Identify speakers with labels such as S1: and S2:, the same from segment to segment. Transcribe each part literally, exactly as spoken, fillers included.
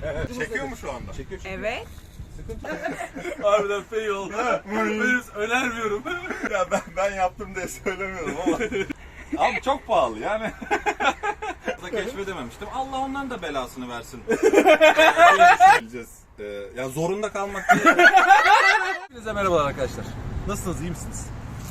S1: Çekiyor mu şu anda?
S2: Çekiyor çünkü.
S3: Evet.
S2: Sıkıntı yok. Harbiden fail oldu. Ben önermiyorum.
S1: Ya ben, ben yaptım diye söylemiyorum ama. Abi çok pahalı yani. Keşfedememiştim. Allah onların da belasını versin. Ee, ya zorunda kalmak değil.
S2: Hepinize merhabalar arkadaşlar. Nasılsınız, iyi misiniz?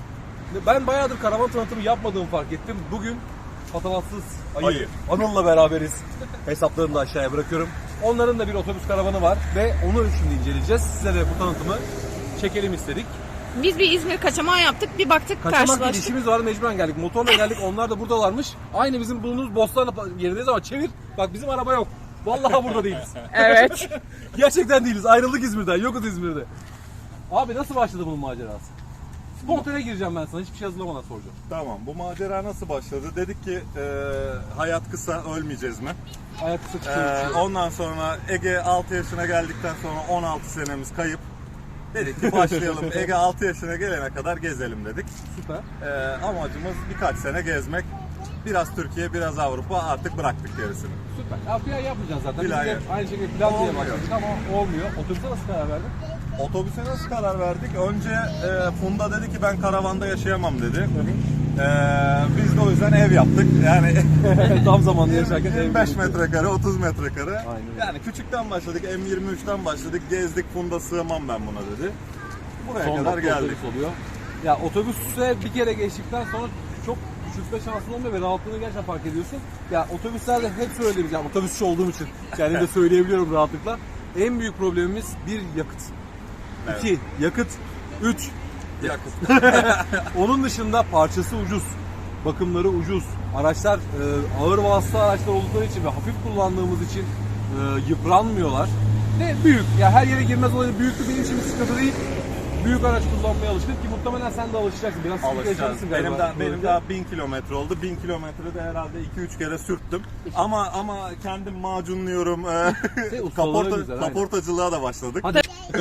S2: Ben bayağıdır karavan tanıtımı yapmadığımı fark ettim. Bugün patavatsız ayı,
S1: Ayı.
S2: Anıl'la beraberiz. Hesaplarını da aşağıya bırakıyorum. Onların da bir otobüs karavanı var ve onu şimdi inceleyeceğiz. Size de bu tanıtımı çekelim istedik.
S3: Biz bir İzmir kaçamağı yaptık. Bir baktık
S2: Kaçamak değil,
S3: karşılaştık.
S2: işimiz var, mecburen geldik. Motorla geldik, onlar da buradalarmış. Aynı bizim bulunduğumuz Bostanlı yerindeyiz ama çevir. Bak bizim araba yok. Vallahi burada değiliz.
S3: Evet.
S2: Gerçekten değiliz. Ayrıldık İzmir'den. Yokuz İzmir'de. Abi nasıl başladı bunun macerası? Spontane gireceğim ben sana. Hiçbir şey hazırlamadan soracağım.
S1: Tamam, bu macera nasıl başladı? Dedik ki e, hayat kısa, ölmeyeceğiz mi?
S2: Ayak kısa
S1: E,
S2: çıkıyor.
S1: ondan sonra Ege altı yaşına geldikten sonra on altı senemiz kayıp. Dedik ki başlayalım. Ege altı yaşına gelene kadar gezelim dedik.
S2: Süper.
S1: E, amacımız birkaç sene gezmek. Biraz Türkiye, biraz Avrupa, artık bıraktık gerisini.
S2: Süper. Ya plan yapmayacağız zaten.
S1: Plan
S2: Biz de
S1: yap.
S2: aynı şekilde plan diye
S1: Olmuyor.
S2: başladık ama olmuyor. Otobüse nasıl karar verdin?
S1: Otobüse nasıl karar verdik? Önce e, Funda dedi ki ben karavanda yaşayamam dedi. E, biz de o yüzden ev yaptık. Yani
S2: Tam zamanlı yaşarken ev
S1: yirmi beş
S2: yapıyoruz.
S1: metrekare, otuz metrekare.
S2: Aynen öyle.
S1: Yani küçükten başladık, M yirmi üçten başladık, gezdik, Funda sığmam ben buna dedi. Buraya
S2: Son
S1: kadar
S2: dakika
S1: geldik.
S2: otobüs oluyor. Ya otobüse bir kere geçtikten sonra çok küçültme şansın olmuyor ve rahatlığını gerçekten fark ediyorsun. Ya otobüslerde hep söylediğimiz, yani otobüsçü olduğum için kendim de söyleyebiliyorum rahatlıkla. En büyük problemimiz bir yakıt.
S1: Evet.
S2: İki yakıt. Üç
S1: Yakıt.
S2: onun dışında parçası ucuz. Bakımları ucuz. Araçlar e, ağır vasıta araçlar oldukları için ve hafif kullandığımız için e, yıpranmıyorlar. Ve büyük. Ya her yere girmez olayı büyüklük benim için bir sıkıntı değil. Büyük araç kullanmaya alıştık ki muhtemelen sen de alışacaksın. Biraz sıkıntı
S1: Alışacağız.
S2: yaşarsın galiba.
S1: Benim, daha, benim
S2: Böyle.
S1: daha bin kilometre oldu. bin kilometrede herhalde iki üç kere sürttüm. Ama ama kendim macunluyorum. E,
S2: Şey, ustalığı
S1: kaporta,
S2: güzel, aynen.
S1: kaportacılığa da başladık.
S2: Hadi.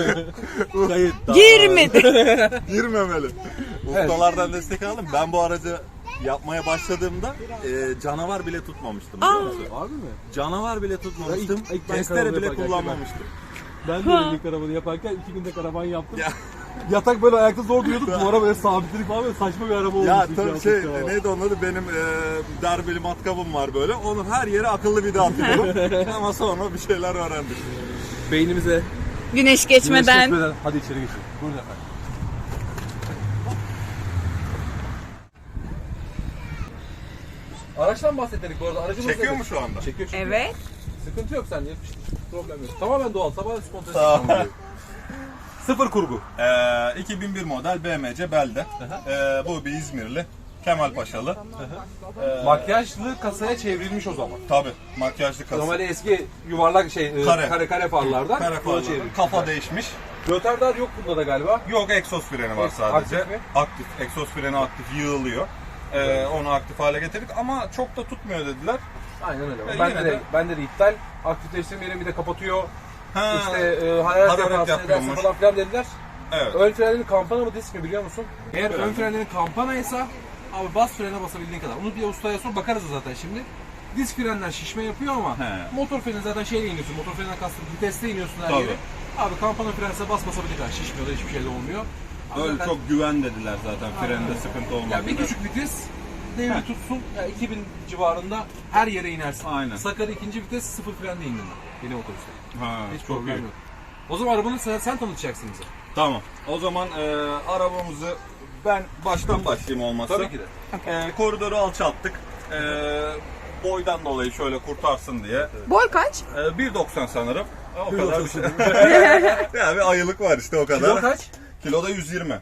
S2: Kayıt.
S3: Girmedi.
S1: Girmemeli. Ustalardan destek aldım. Ben bu aracı yapmaya başladığımda e, canavar bile tutmamıştım. biliyor musun?
S2: Abi mi?
S1: Canavar bile tutmamıştım.
S2: Ya ilk- ilk ben
S1: Testere
S2: karavanı
S1: bile
S2: yaparken
S1: kullanmamıştım.
S2: Ben de öyle karavanı yaparken iki günde karavan yaptım. Yatak böyle ayakta zor duruyorduk. Duvara böyle sabitledik falan, böyle saçma bir araba olmuş.
S1: Ya
S2: İki
S1: tabii
S2: altı
S1: şey
S2: karavan.
S1: neydi onun adı, benim e, darbeli matkabım var böyle. Onu her yere akıllı vida atıyorum. Ama sonra bir şeyler öğrendik.
S2: Beynimize
S3: Güneş geçmeden.
S2: güneş geçmeden. Hadi içeri geçelim. Buyurun efendim. Araçtan bahsettik bu arada. Aracımız
S1: Çekiyor
S2: nedir?
S1: mu şu anda?
S2: Çekiyor çünkü.
S3: Evet.
S2: Sıkıntı yok sende. Problem yok. Tamamen doğal. Tamamen spontane.
S1: Tamam.
S2: Sıfır kurgu.
S1: E, iki bin bir model B M C Belde. E, bu bir İzmirli. Kemal Paşalı. E,
S2: Makyajlı kasaya çevrilmiş o zaman.
S1: Tabii makyajlı kasa.
S2: Normalde eski yuvarlak şey
S1: Kare.
S2: kare kare farlardan
S1: Kare
S2: buna
S1: farları.
S2: çevrilmiş.
S1: Kafa değişmiş.
S2: Rötardar yok bunda da galiba.
S1: Yok, egzoz freni var sadece.
S2: Aktif mi?
S1: Aktif. Egzoz freni aktif, yığılıyor. Ee, onu aktif hale getirdik ama çok da tutmuyor dediler.
S2: Aynen öyle.
S1: E,
S2: Ben
S1: yine
S2: de,
S1: de-
S2: bende de iptal. Aktifleştirmeyelim, bir de kapatıyor.
S1: Ha,
S2: İşte e, hararet
S1: hararet
S2: yaparsın edersin
S1: yapıyormuş.
S2: falan filan dediler.
S1: evet.
S2: Ön frenlerin kampana mı disk mi biliyor musun? Eğer
S1: Evet.
S2: ön frenlerin kampanaysa abi bas frene basabildiğin kadar. Onu bir ustaya sor, bakarız zaten şimdi. Disk frenler şişme yapıyor ama
S1: He.
S2: motor freni zaten şeyle iniyorsun. Motor freninden kastım viteste iniyorsun her
S1: Tabii.
S2: yere. Abi kampana frense bas basabildiğin kadar şişmiyor da hiçbir şey de olmuyor. Abi
S1: Öyle
S2: zaten-
S1: çok güven dediler zaten, frende sıkıntı olmaz.
S2: Ya bir küçük vites devri tutsun, ya iki bin civarında her yere inersin.
S1: Aynen.
S2: Sakarya ikinci vites sıfır frende indim ben. Benim otobüste.
S1: Ha,
S2: Hiç
S1: çok
S2: problem
S1: iyi.
S2: yok. O zaman arabanı sen, sen tanıtacaksın bize.
S1: Tamam. O zaman e, arabamızı ben baştan başlayayım olmazsa.
S2: Tabii ki de.
S1: E, koridoru alçalttık. E, boydan dolayı şöyle kurtarsın diye.
S3: Boy kaç?
S1: E, bir doksan sanırım. O
S2: Bir
S1: kadar bir
S2: doksan.
S1: şey. Ya bir ayılık var işte, o kadar.
S2: Kilo kaç?
S1: Kiloda yüz yirmi.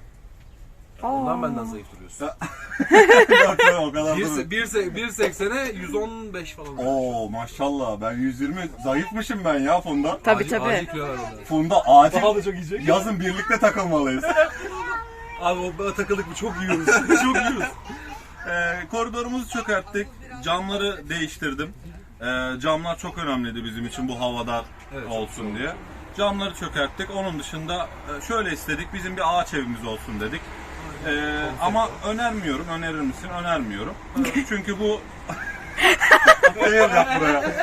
S2: Ondan benden zayıf duruyorsun.
S1: Yok, o kadar
S2: Bir,
S1: değil.
S2: se- bir, se- bir seksene yüz on beş falan.
S1: Oo maşallah, ben yüz yirmi zayıfmışım ben ya Funda.
S3: Tabii
S2: Acil-
S3: tabii.
S2: acil kilo ver onları.
S1: Funda acil.
S2: Daha da çok yiyecek.
S1: Yazın birlikte takılmalıyız.
S2: Abi o takıldık mı çok yiyoruz. çok yiyoruz.
S1: Ee, koridorumuzu çökerttik. Camları değiştirdim. Ee, camlar çok önemliydi bizim için, bu havadar
S2: Evet,
S1: olsun diye. Camları çökerttik. Onun dışında e, şöyle istedik. Bizim bir ağaç evimiz olsun dedik. Ee, ama önermiyorum. Önerir misin? Önermiyorum. Çünkü bu Hayır yap buraya.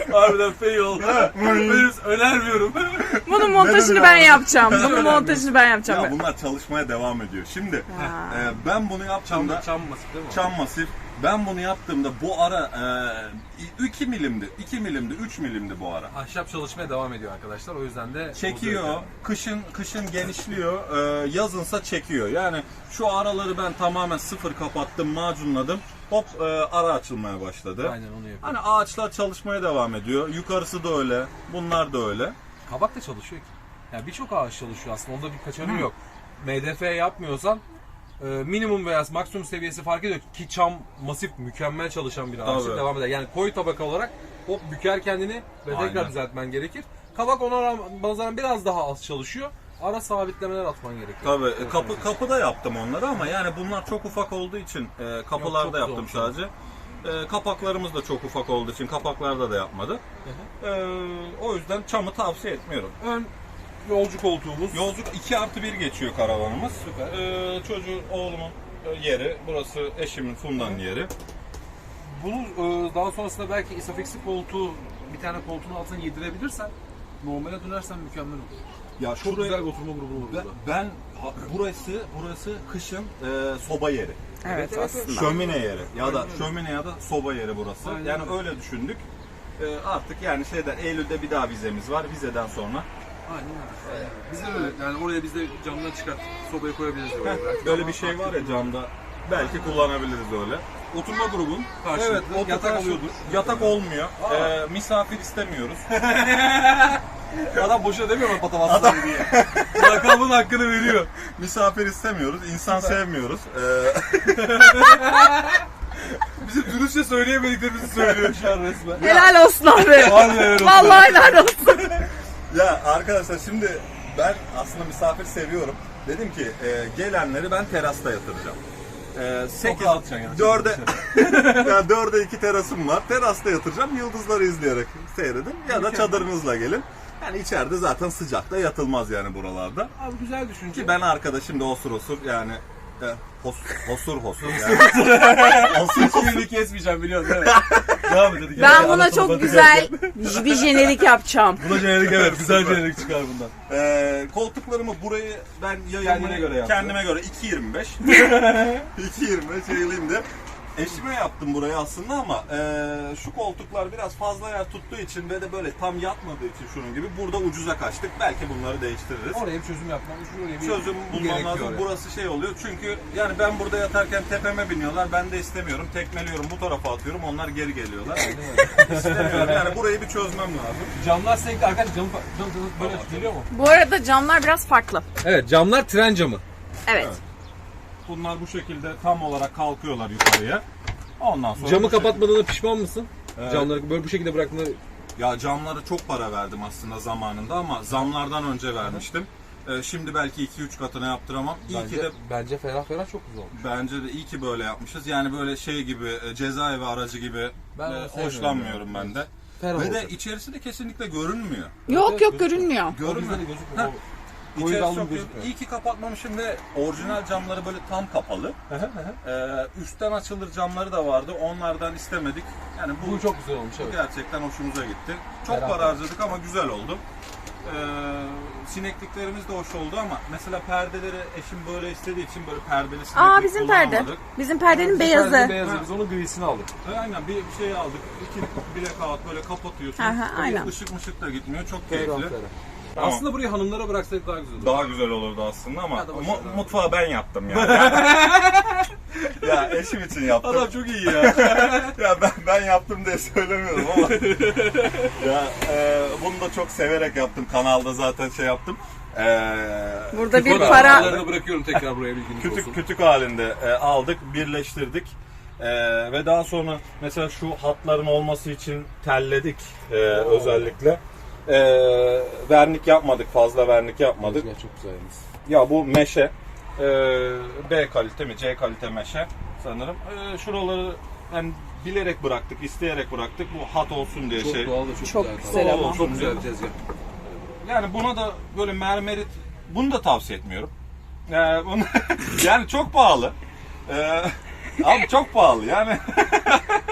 S2: Harbiden fail oldu. Ben önermiyorum.
S3: Bunun montajını ben yapacağım. Bunun montajını ben yapacağım.
S1: Ya bunlar çalışmaya devam ediyor. Şimdi
S3: Ha.
S1: e, ben bunu yaptığımda
S2: Çam masif değil mi?
S1: çam masif. Ben bunu yaptığımda bu ara e, iki milimdi, iki milimdi, üç milimdi bu ara.
S2: Ahşap çalışmaya devam ediyor arkadaşlar. O yüzden de
S1: Çekiyor, kışın kışın genişliyor, e, yazınsa çekiyor. Yani şu araları ben tamamen sıfır kapattım, macunladım. Hop e, ara açılmaya başladı.
S2: Aynen onu yapıyor.
S1: Hani ağaçlar çalışmaya devam ediyor. Yukarısı da öyle, bunlar da öyle.
S2: Kabak da çalışıyor ki. Yani birçok ağaç çalışıyor aslında. Onda bir kaçarı yok. M D F yapmıyorsan e, minimum veya maksimum seviyesi fark ediyor ki çam masif mükemmel çalışan bir ağaç
S1: Tabii.
S2: devam eder. Yani koyu tabaka olarak hop büker kendini ve
S1: Aynen.
S2: tekrar düzeltmen gerekir. Kabak ona nazaran biraz daha az çalışıyor. Ara sabitlemeler atman gerekiyor.
S1: Tabii
S2: Evet,
S1: kapı
S2: evet.
S1: kapıda yaptım onları ama yani bunlar çok ufak olduğu için e, kapılarda
S2: Yok, çok
S1: yaptım
S2: güzel
S1: sadece. E, kapaklarımız da çok ufak olduğu için kapaklarda da yapmadık. E, o yüzden çamı tavsiye etmiyorum.
S2: Ön yolcu koltuğumuz.
S1: Yolculuk iki artı bir geçiyor karavanımız.
S2: Süper.
S1: E, çocuğun, oğlumun e, yeri, burası eşimin, Funda'nın yeri.
S2: Bunu e, daha sonrasında belki isofiksi koltuğu bir tane koltuğun altına yedirebilirsen normale dönersen mükemmel olur.
S1: Ya
S2: Çok güzel bir oturma grubu olur
S1: ben,
S2: burada.
S1: ben ha, burası burası kışın e, soba yeri.
S3: Evet,
S2: evet,
S3: aslında.
S1: Şömine yeri ya da
S2: Aynen öyle.
S1: şömine ya da soba yeri burası.
S2: Aynen
S1: yani
S2: öyle.
S1: öyle düşündük. E, artık yani şeyden Eylül'de bir daha vizemiz var. Vizeden sonra
S2: Aynen öyle. Biz de öyle. Yani oraya biz de camdan çıkart sobaya koyabiliriz. Oraya. Belki
S1: böyle
S2: ama
S1: bir şey var ya
S2: farklı.
S1: camda. Belki kullanabiliriz öyle.
S2: Oturma grubun karşılıklı
S1: Evet, o
S2: yatak
S1: yatak
S2: oluyordur.
S1: Yatak olmuyor.
S2: Aa.
S1: E, misafir istemiyoruz.
S2: Adam boşuna demiyor mu patavatsız diye. Lakabın hakkını veriyor.
S1: misafir istemiyoruz. İnsan sevmiyoruz. E,
S2: Bizim dürüstçe söyleyemediklerimizi söylüyor şu an resmen.
S3: Helal olsun abi.
S2: Vallahi helal olsun.
S3: Vallahi helal olsun.
S1: ya arkadaşlar şimdi ben aslında misafir seviyorum. Dedim ki e, gelenleri ben terasta yatıracağım. E, sekiz,
S2: rahat yani.
S1: dörde, yani dörde iki terasım var. Terasta yatıracağım. Yıldızları izleyerek seyredin. Ya da çadırınızla gelin. Yani içeride zaten sıcakta yatılmaz yani buralarda.
S2: Abi güzel düşünce.
S1: Ki ben arkadaşım da osur osur yani e, hos, hosur hosur yani. osur
S2: Hiçbirini kesmeyeceğim biliyorsun değil mi? Devam edelim.
S3: Ben buna çok güzel bir jenerik yapacağım.
S2: Buna jenerik evet. Güzel jenerik çıkar bundan.
S1: Ee, koltuklarımı burayı ben yayılmayı
S2: Kendine göre yaptın.
S1: kendime göre iki yirmi beş iki yirmi beş yayılayım diye. Eşime yaptım burayı aslında ama e, şu koltuklar biraz fazla yer tuttuğu için ve de böyle tam yatmadığı için şunun gibi burada ucuza kaçtık. Belki bunları değiştiririz.
S2: Oraya bir çözüm yapmamız, şuraya bir
S1: Çözüm bulmam lazım.
S2: oraya.
S1: Burası şey oluyor çünkü yani ben burada yatarken tepeme biniyorlar. Ben de istemiyorum. Tekmeliyorum bu tarafa atıyorum. Onlar geri geliyorlar. İstemiyorum. Yani burayı bir çözmem lazım.
S2: Camlar sürekli arkadaşlar camı, cam, cam, böyle geliyor mu?
S3: Bu arada camlar biraz farklı.
S2: Evet camlar tren camı.
S3: Evet.
S1: Evet. Bunlar bu şekilde tam olarak kalkıyorlar yukarıya. Ondan sonra
S2: Camı
S1: bu şekilde-
S2: kapatmadığına pişman mısın?
S1: Evet.
S2: Camları böyle bu şekilde bıraktığında
S1: Ya camlara çok para verdim aslında zamanında ama zamlardan önce vermiştim. Ee, şimdi belki iki üç katına yaptıramam. İyi
S2: bence,
S1: ki de
S2: bence ferah ferah çok güzel olmuş.
S1: bence de iyi ki böyle yapmışız. Yani böyle şey gibi e, cezaevi aracı gibi
S2: Ben
S1: e,
S2: onu sevmiyorum
S1: hoşlanmıyorum
S2: yani.
S1: ben de.
S2: Ferah
S1: Ve de
S2: olacak.
S1: içerisi de kesinlikle görünmüyor.
S3: Yok yok görünmüyor.
S2: O bizde
S1: Görünmüyor.
S2: de gözükmüyor.
S1: Ha.
S2: O koyu
S1: İçerisi
S2: dallı
S1: çok
S2: gözükmüyor.
S1: iyi ki kapatmamışım ve orijinal camları böyle tam kapalı. Ee, üstten açılır camları da vardı. Onlardan istemedik. Yani bu,
S2: Bu çok güzel olmuş
S1: bu
S2: evet.
S1: gerçekten hoşumuza gitti. Çok
S2: Ferah
S1: para
S2: ferah.
S1: harcadık ama güzel oldu. Ee, sinekliklerimiz de hoş oldu ama mesela perdeleri eşim böyle istediği için böyle perdeli sineklik
S3: Aa bizim perde.
S1: kullanamadık.
S3: Bizim perdenin
S2: Bizim
S3: beyazı.
S2: perdenin beyazı. Biz onun grisini aldık.
S1: Ee, Aynen bir bir şey aldık. İki bilek kağıt böyle kapatıyorsun.
S3: Aha, aynen.
S1: Işık mışık da gitmiyor. Çok
S2: Ferah
S1: keyifli.
S2: ferah.
S1: Tamam.
S2: Aslında burayı hanımlara bıraksaydık daha güzel olur.
S1: Daha güzel olurdu aslında ama
S2: Ya da boş
S1: mu-
S2: ver abi.
S1: mutfağı ben yaptım yani. ya eşim için yaptım.
S2: Adam çok iyi ya.
S1: ya ben ben yaptım diye söylemiyorum ama. ya e, bunu da çok severek yaptım. Kanalda zaten şey yaptım. E,
S3: Burada bir
S1: kütük
S3: para-
S1: halinde-
S2: Paralarını bırakıyorum tekrar buraya bilginiz olsun.
S1: Kütük kütük halinde e, aldık, birleştirdik. E, ve daha sonra mesela şu hatların olması için telledik e, özellikle. E, vernik yapmadık, fazla vernik yapmadık.
S2: Ya çok güzel yalnız.
S1: Ya bu meşe, e, B kalite mi, C kalite meşe sanırım. E, şuraları yani bilerek bıraktık, isteyerek bıraktık. Bu hat olsun diye
S2: Çok
S1: şey.
S2: doğal ve çok,
S3: Çok
S2: güzel.
S3: güzel
S2: Doğal
S3: ama.
S2: olsun, Çok güzel bir tezgah.
S1: Yani buna da böyle mermerit, bunu da tavsiye etmiyorum. Yani, bunu, yani çok pahalı. E, abi çok pahalı yani.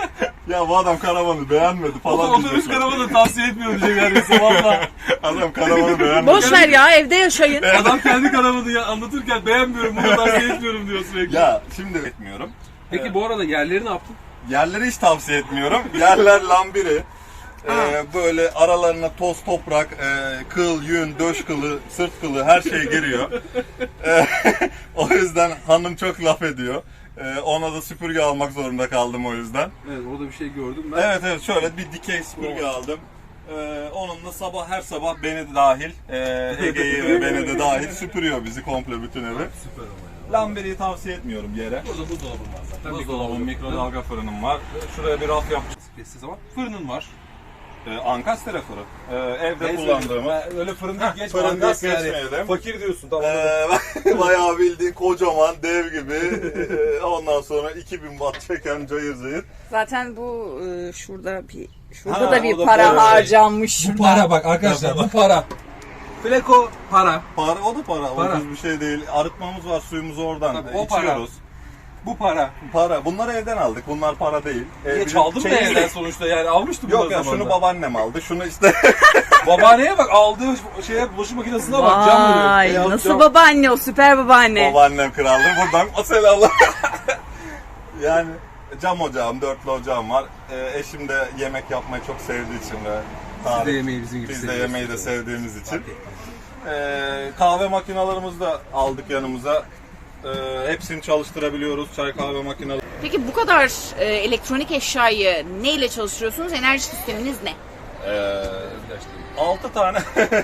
S1: ya bu adam karavanı beğenmedi falan
S2: Otobüs
S1: diyecekler.
S2: karavanı tavsiye etmiyor diyecek neredeyse valla.
S1: Adam karavanı beğenmedi.
S3: Boş ver ya, evde yaşayın.
S2: Adam kendi karavanı ya anlatırken beğenmiyorum, bunu tavsiye etmiyorum diyor sürekli.
S1: Ya şimdi etmiyorum.
S2: Peki bu arada yerleri ne yaptın?
S1: Yerleri hiç tavsiye etmiyorum. Yerler lambiri. Ee, böyle aralarına toz, toprak, e, kıl, yün, döş kılı, sırt kılı her şey giriyor. Ee, o yüzden hanım çok laf ediyor. Ee, ona da süpürge almak zorunda kaldım o yüzden.
S2: Evet, orada bir şey gördüm ben.
S1: Evet evet şöyle bir dikey süpürge aldım. Ee, onunla sabah her sabah beni de dahil, e, Ege'yi ve beni de dahil süpürüyor bizi komple bütün evi.
S2: Süper ama ya.
S1: Lambiriyi tavsiye etmiyorum yere.
S2: Burada buzdolabın var zaten.
S1: Buzdolabım, mikrodalga fırınım var. Şuraya bir raf yapacağım.
S2: Geçtiği zaman fırının var.
S1: Ee, Ankastre fırın. Ee, evde
S2: Neyse,
S1: kullandığımız.
S2: ben öyle fırın değil, geç
S1: fırın
S2: fırın
S1: değil,
S2: yani.
S1: geçmeyelim.
S2: Fakir diyorsun tamam.
S1: Ee, bayağı bildiğin kocaman dev gibi. Ee, Ondan sonra iki bin watt çeken cayır cayır.
S3: Zaten bu e, şurada bir şurada
S1: Ha,
S3: da bir
S1: o da
S3: para
S1: para.
S3: harcanmış.
S2: Bu para bak arkadaşlar, bu para. Fleko para.
S1: Para, o da para.
S2: Para.
S1: Ucuz bir şey değil. Arıtmamız var, suyumuzu oradan
S2: Tabii, o para.
S1: içiyoruz.
S2: Bu para.
S1: Para. Bunları evden aldık. Bunlar para değil. Ee,
S2: Niye
S1: bizim
S2: çaldın mı
S1: çeyiz-
S2: evden sonuçta yani almıştım
S1: Yok
S2: bunları
S1: ya şunu
S2: zamanında.
S1: babaannem aldı. Şunu işte
S2: Babaanneye bak, aldığı şeye bulaşık makinesine bak, cam veriyor.
S3: Vay,
S2: Beyaz
S3: nasıl
S2: cam.
S3: babaanne o, süper babaanne.
S1: babaannem kraldır. Buradan o selamlar. Yani cam ocağım, dörtlü ocağım var. Ee, eşim de yemek yapmayı çok sevdiği için ve
S2: Siz de yemeği bizim gibi
S1: biz de
S2: seviyorsunuz.
S1: yemeği de sevdiğimiz için. Ee, kahve makinalarımızı da aldık yanımıza. Ee, hepsini çalıştırabiliyoruz. Çay kahve makineleri.
S3: Peki bu kadar e, elektronik eşyayı neyle çalıştırıyorsunuz? Enerji sisteminiz ne?
S1: Ee, altı tane.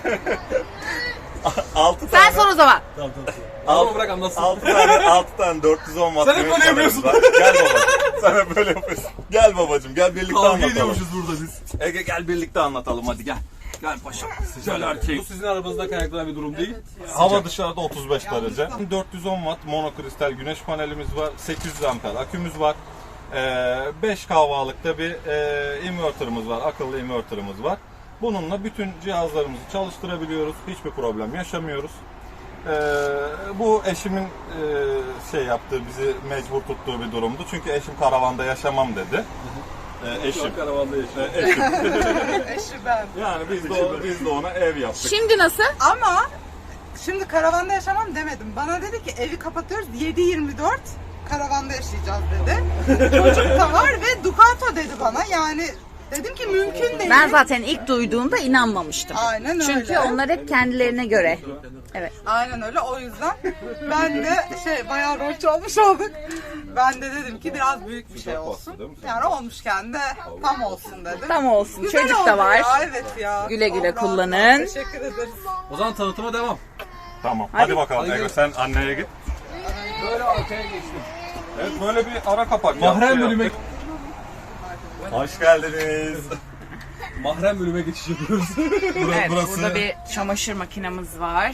S1: altı
S3: Sen
S1: tane.
S3: sor o zaman.
S2: Tamam tamam.
S1: Alt-
S2: Ama bırak anlatsın.
S1: altı tane, altı tane dört yüz on watt.
S2: Sen hep
S1: güneş
S2: böyle
S1: panelimiz
S2: yapıyorsun.
S1: var. Gel babacığım. Sen hep böyle yapıyorsun. Gel babacığım gel birlikte
S2: Kavga
S1: anlatalım.
S2: ediyormuşuz burada biz.
S1: Ege gel birlikte anlatalım hadi gel. Gel paşam. Güzel erkek.
S2: Bu sizin arabanızda kaynaklanan bir durum değil.
S1: Hava dışarıda otuz beş derece. dört yüz on watt monokristal güneş panelimiz var. sekiz yüz amper akümüz var. beş kahvalıkta bir e, inverter'ımız var. Akıllı inverter'ımız var. Bununla bütün cihazlarımızı çalıştırabiliyoruz. Hiçbir problem yaşamıyoruz. Ee, bu eşimin e, şey yaptığı, bizi mecbur tuttuğu bir durumdu. Çünkü eşim karavanda yaşamam dedi. Ee, eşim.
S2: Karavanda yaşıyor.
S1: Ee, eşim.
S4: Eşi ben.
S1: Yani biz de, o- biz de ona ev yaptık.
S3: Şimdi nasıl?
S4: Ama şimdi karavanda yaşamam demedim. Bana dedi ki evi kapatıyoruz yedi yirmi dört karavanda yaşayacağız dedi. Çocuk da var ve Ducato dedi bana. Yani dedim ki mümkün değil.
S3: Ben zaten ilk duyduğumda inanmamıştım.
S4: Aynen öyle.
S3: Çünkü onlar hep kendilerine göre. Evet.
S4: Aynen öyle, o yüzden ben de şey bayağı rol çalmış olduk. Ben de dedim ki biraz büyük bir şey olsun.
S1: değil mi?
S4: Yani olmuşken de tam olsun dedim.
S3: Tam olsun.
S4: Güzel
S3: Çocuk
S4: oldu
S3: da var.
S4: Ya, evet ya.
S3: Güle güle
S4: Çok rahat.
S3: kullanın.
S4: Teşekkür ederiz.
S2: O zaman tanıtıma devam.
S1: Tamam. Hadi,
S3: Hadi.
S1: bakalım
S2: Hadi
S1: Ege
S2: gel.
S1: sen anneye git.
S2: Böyle arkaya geçtim.
S1: Evet böyle bir ara kapak
S2: Mahrem
S1: yaptı,
S2: bölüme
S1: yaptık. Hoş geldiniz.
S2: Mahrem bölüme geçiş yapıyoruz.
S3: Evet,
S1: burası-
S3: burada bir çamaşır makinemiz var.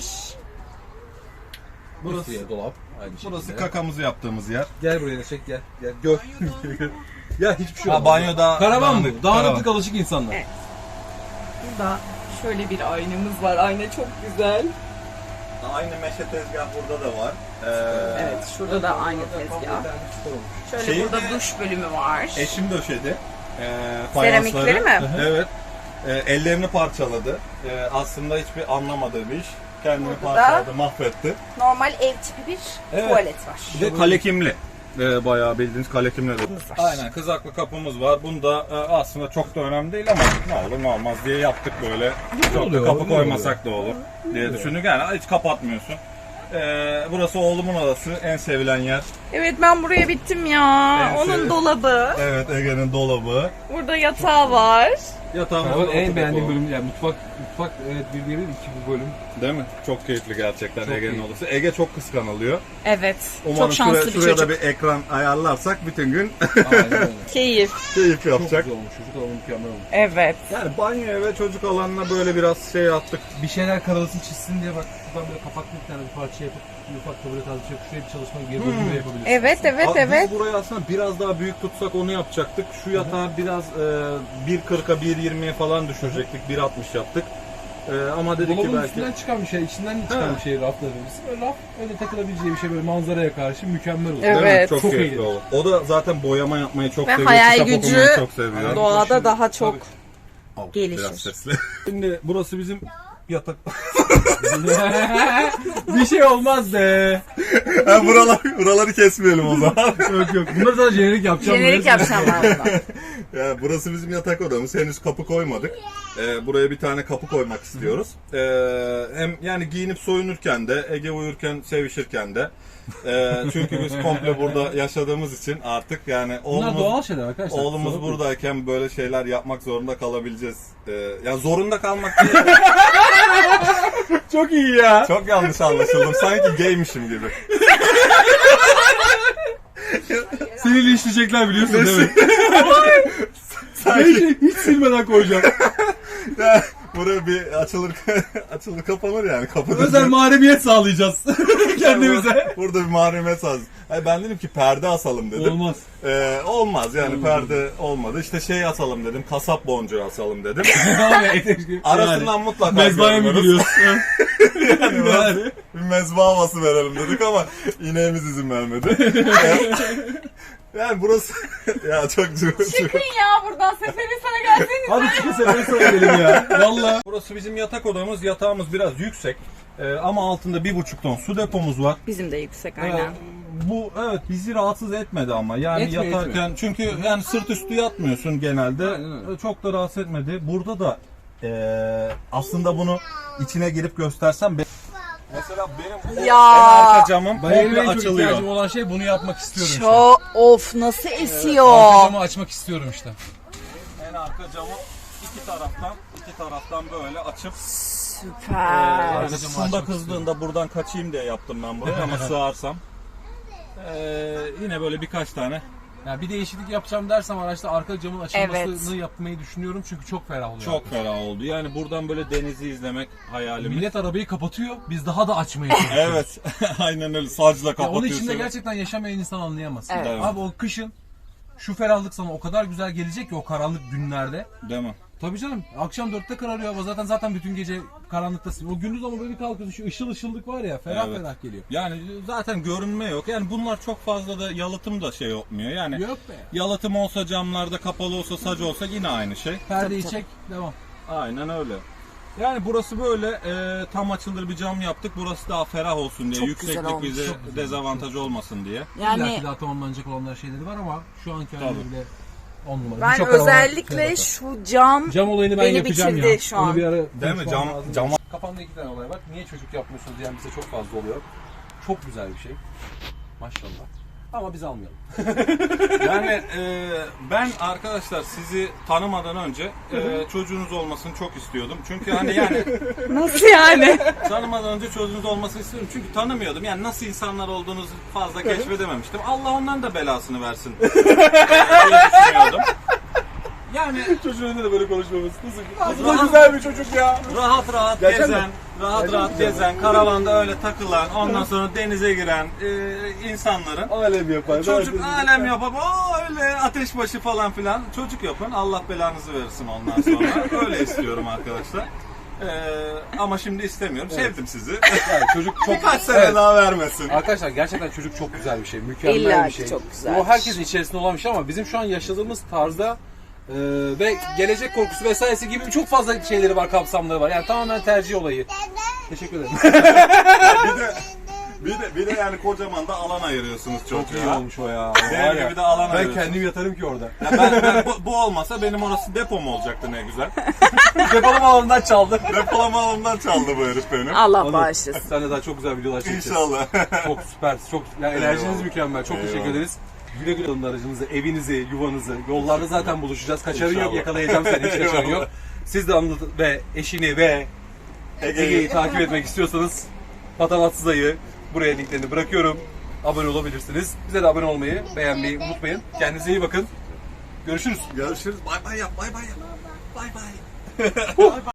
S2: Burası ya dolap. Aynı şekilde.
S1: Burası kakamızı yaptığımız yer.
S2: Gel buraya çek gel. Gel gör. Ya hiçbir şey
S1: Ha,
S2: olmaz.
S1: banyoda-
S2: Karavan mı?
S1: dağınık,
S2: Dağınıklık
S1: karavan.
S2: alışık insanlar.
S3: Evet. Burada şöyle bir aynamız var. Ayna çok güzel.
S1: Aynı meşe tezgah burada da var. Ee,
S3: Evet, şurada da aynı tezgah. Şöyle
S1: Şeyi
S3: burada
S1: de-
S3: duş bölümü var.
S1: Eşim döşedi. Ee,
S3: Seramikleri
S1: fayansları.
S3: mi?
S1: Evet. Ee, ellerini parçaladı. Ee, aslında hiçbir anlamadığı bir iş. Kendini
S3: Burada da-
S1: parçaladı, mahvetti.
S3: Normal ev tipi bir
S1: Evet.
S3: tuvalet var.
S1: Bir de kalekimli. Ee, bayağı bildiğiniz kalekimli de. Aynen kızaklı kapımız var. Bunda e, aslında çok da önemli değil ama ne olur ne olmaz diye yaptık böyle. Çok da
S2: oluyor,
S1: kapı
S2: oluyor.
S1: koymasak da olur diye düşündük. Yani hiç kapatmıyorsun. Ee, burası oğlumun odası. En sevilen yer.
S3: Evet, ben buraya bittim ya.
S1: Ben
S3: Onun
S1: şöyle-
S3: dolabı.
S1: Evet Ege'nin dolabı.
S3: Burada yatağı var.
S1: Yatağımız
S2: Karavan
S1: da
S2: en
S1: oturdu
S2: beğendiğim
S1: bu.
S2: bölüm yani mutfak mutfak evet bir değil iki bu bölüm.
S1: Değil mi? Çok keyifli gerçekten
S2: Çok
S1: Ege'nin
S2: keyifli.
S1: odası. Ege çok kıskanılıyor.
S3: Evet.
S1: Umarım
S3: çok şanslı
S1: şuraya,
S3: bir
S1: şuraya
S3: çocuk.
S1: da bir ekran ayarlarsak bütün gün
S2: Aynen öyle.
S3: Keyif.
S1: keyif
S2: Çok
S1: yapacak.
S2: güzel olmuş. Çocuk alanı mükemmel olmuş.
S3: Evet.
S1: Yani banyoya ve çocuk alanına böyle biraz şey yaptık.
S2: Bir şeyler karalasın çizsin diye bak şuradan böyle kapaklı bir tane bir parça yapıp bir ufak tabure tarzı bir şey şuraya bir çalışma geri bölümü de yapabilirsin.
S3: Evet, evet,
S1: Abi
S3: evet.
S1: Biz burayı aslında biraz daha büyük tutsak onu yapacaktık. Şu yatağı biraz e, bir kırka bir yirmiye falan düşürecektik. bir altmış yaptık. Ee, ama dedik ki
S2: Dolabın
S1: belki
S2: üstünden çıkan bir şey, içinden çıkan
S1: Evet.
S2: bir şey raflarımız. Böyle raf, öyle takılabileceği bir şey böyle manzaraya karşı mükemmel olur.
S3: Evet.
S1: Değil mi? çok,
S2: Çok
S1: keyifli
S2: eğlenceli.
S1: olur. O da zaten boyama yapmayı çok
S3: Ve
S1: seviyor.
S3: hayal
S1: kitap
S3: gücü
S1: okumayı çok seviyor.
S3: Doğada daha çok
S1: Al,
S3: gelişir.
S1: biraz sesli. Şimdi burası bizim yatak.
S2: Bir şey olmaz be.
S1: ha, buralar, buraları kesmeyelim o zaman.
S2: Yok yok. Bunları da jenerik yapacağım.
S3: jenerik yapacağım ben bunu.
S1: Yani burası bizim yatak odamız. Henüz kapı koymadık. Ee, buraya bir tane kapı koymak istiyoruz. Ee, hem yani giyinip soyunurken de, Ege uyurken, sevişirken de. Ee, çünkü biz komple burada yaşadığımız için artık yani
S2: Bunlar
S1: oğlumuz,
S2: doğal şeyler arkadaşlar.
S1: oğlumuz
S2: Kusura bakmayın.
S1: buradayken böyle şeyler yapmak zorunda kalabileceğiz. Ee, yani zorunda kalmak değil.
S2: Çok iyi ya.
S1: Çok yanlış anlaşıldım. Sanki gaymişim gibi.
S2: Seni linçleyecekler biliyorsun değil mi?
S1: Sanki
S2: Hiç, hiç silmeden koyacağım.
S1: ya, buraya bir açılır açılır kapanır yani. Kapıda
S2: Özel mahremiyet sağlayacağız kendimize.
S1: Burada bir mahremiyet az. Hayır, ben dedim ki perde asalım dedim.
S2: Olmaz.
S1: Ee, olmaz yani perde olmadı. İşte şey asalım dedim. Kasap boncuğu asalım dedim. Arasından mutlaka
S2: Mezbahaya mı
S1: görünürüz.
S2: giriyoruz?
S1: Yani
S2: Yani.
S1: bir mezba havası verelim dedik ama ineğimiz izin vermedi. yani burası ya çok çok.
S3: Çıkın ya buradan Seferi sana gelseniz.
S2: Hadi çıkın sefere sana gelelim ya. Valla.
S1: Burası bizim yatak odamız. Yatağımız biraz yüksek. Ee, ama altında bir buçuk ton su depomuz var.
S3: Bizim de yüksek
S1: Ee,
S3: aynen.
S1: bu evet bizi rahatsız etmedi ama yani
S2: Etmiyor,
S1: yatarken
S2: etmiyor.
S1: çünkü yani sırt üstü yatmıyorsun genelde.
S2: Aynen öyle.
S1: Çok da rahatsız etmedi. Burada da eee, aslında bunu içine girip göstersem be- mesela benim bu
S3: Ya.
S1: en arka camım
S2: Benim en
S1: komple
S2: çok
S1: açılıyor.
S2: ihtiyacım olan şey bunu yapmak istiyorum işte.
S3: Çok of nasıl
S2: Arka
S3: esiyor.
S2: camı açmak istiyorum işte.
S1: En arka camı iki taraftan iki taraftan böyle açıp
S3: Süper.
S1: eee,
S2: Arka camı
S1: Funda
S2: açmak
S1: kızdığında buradan kaçayım diye yaptım ben burayı ama sığarsam eee, yine böyle birkaç tane.
S2: Ya bir değişiklik yapacağım dersem araçta arka camın açılmasını
S3: Evet.
S2: yapmayı düşünüyorum çünkü çok ferah oluyor.
S1: Çok ferah oldu. Yani buradan böyle denizi izlemek hayalim.
S2: Millet arabayı kapatıyor, biz daha da açmaya çalışıyoruz.
S1: Evet. Aynen öyle. Sacla
S2: Ya
S1: kapatıyorsun.
S2: onun içinde gerçekten yaşamayan insan anlayamaz.
S3: Evet.
S2: Abi o kışın şu ferahlık sana o kadar güzel gelecek ki o karanlık günlerde.
S1: Değil mi?
S2: Tabii canım. Akşam dörtte kararıyor hava. Zaten zaten bütün gece karanlıktasın. O gündüz ama böyle bir kalkıyorsun. Şu ışıl ışıllık var ya. Ferah
S1: Evet.
S2: ferah geliyor.
S1: Yani zaten görünme yok. Yani bunlar çok fazla da yalıtım da şey olmuyor. Yani
S2: Yok be.
S1: yalıtım olsa camlarda kapalı olsa sac olsa yine aynı şey.
S2: Perdeyi
S3: Tabii,
S2: çek. Devam.
S1: Aynen öyle. Yani burası böyle e, tam açılır bir cam yaptık. Burası daha ferah olsun diye.
S3: Çok
S1: Yükseklik
S3: güzel olmuş.
S1: bize
S2: Çok güzel.
S1: dezavantaj olmasın diye.
S2: Yani
S3: Yani
S2: daha tamamlanacak olanlar şeyleri var ama şu anki
S1: Tabii.
S2: halinde on numara.
S3: ben
S2: Birçok araba-
S3: özellikle
S2: Evet.
S3: şu cam
S2: Cam olayını ben
S3: beni
S2: yapacağım
S3: bitirdi
S2: ya.
S3: şu
S2: Onu
S3: an.
S2: bir ara
S1: Değil mi?
S2: konuşmam
S1: Cam,
S2: lazım.
S1: cam
S2: Kafamda iki tane olay var. Niye çocuk yapmıyorsunuz diyen bize çok fazla oluyor. Çok güzel bir şey. Maşallah. Ama biz almayalım.
S1: Yani e, ben arkadaşlar sizi tanımadan önce e, çocuğunuz olmasını çok istiyordum. Çünkü hani yani
S3: nasıl yani?
S1: tanımadan önce çocuğunuz olmasını istiyorum. Çünkü tanımıyordum. Yani nasıl insanlar olduğunuzu fazla keşfedememiştim. Allah onların da belasını versin. e, diye düşünüyordum. Yani
S2: Çocuğun önünde de böyle konuşmamız. Nasıl?
S1: Rahat-
S2: güzel bir çocuk ya.
S1: rahat rahat
S2: Gerçekten
S1: gezen,
S2: mi?
S1: rahat
S2: Gerçekten
S1: rahat
S2: mi?
S1: gezen, karavanda öyle takılan, ondan sonra denize giren e, insanların
S2: Alem yapar.
S1: çocuk alem yapıp o öyle ateşbaşı falan filan çocuk yapın. Allah belanızı versin ondan sonra. Öyle istiyorum arkadaşlar. Ee, ama şimdi istemiyorum. Sevdim sizi.
S2: Yani çocuk çok...
S1: Birkaç sene
S2: Evet.
S1: daha vermesin.
S2: Arkadaşlar gerçekten çocuk çok güzel bir şey. Mükemmel
S3: İlla
S2: bir
S3: ki
S2: şey.
S3: çok güzel.
S2: O herkesin içerisinde olan bir şey ama bizim şu an yaşadığımız tarzda e, ve gelecek korkusu vesairesi gibi çok fazla şeyleri var, kapsamları var. Yani tamamen tercih olayı. Teşekkür ederim.
S1: bir de bir de bir de yani kocaman da alan ayırıyorsunuz
S2: Çok iyi
S1: çocuğa.
S2: olmuş o ya.
S1: Benim
S2: Var ya,
S1: gibi de alan
S2: ben
S1: ayırıyorsunuz.
S2: kendim yatarım ki orada.
S1: Ya ben, ben bu, bu olmasa benim orası depom olacaktı ne güzel.
S2: Depolama alanından çaldı.
S1: Depolama alanından çaldı bu herif benim.
S3: Allah bağışlasın.
S2: Sen de daha çok güzel videolar çekeceğiz.
S1: İnşallah.
S2: Çok süper. Çok yani enerjiniz
S1: Eyvallah.
S2: mükemmel. Çok teşekkür
S1: Eyvallah.
S2: ederiz. Güle güle alın aracınızı, evinizi, yuvanızı. Yollarda zaten buluşacağız. Kaçarın yok,
S1: İnşallah.
S2: yakalayacağım seni. Hiç kaçarın yok.
S1: Eyvallah.
S2: Siz de Anıl ve eşini ve Ege'yi takip etmek istiyorsanız Patavatsız Ayı buraya linklerini bırakıyorum. Abone olabilirsiniz. Bize de abone olmayı, beğenmeyi unutmayın. Kendinize iyi bakın. Görüşürüz.
S1: Görüşürüz. Bay bay yap. Bay bay yap. Bay bay.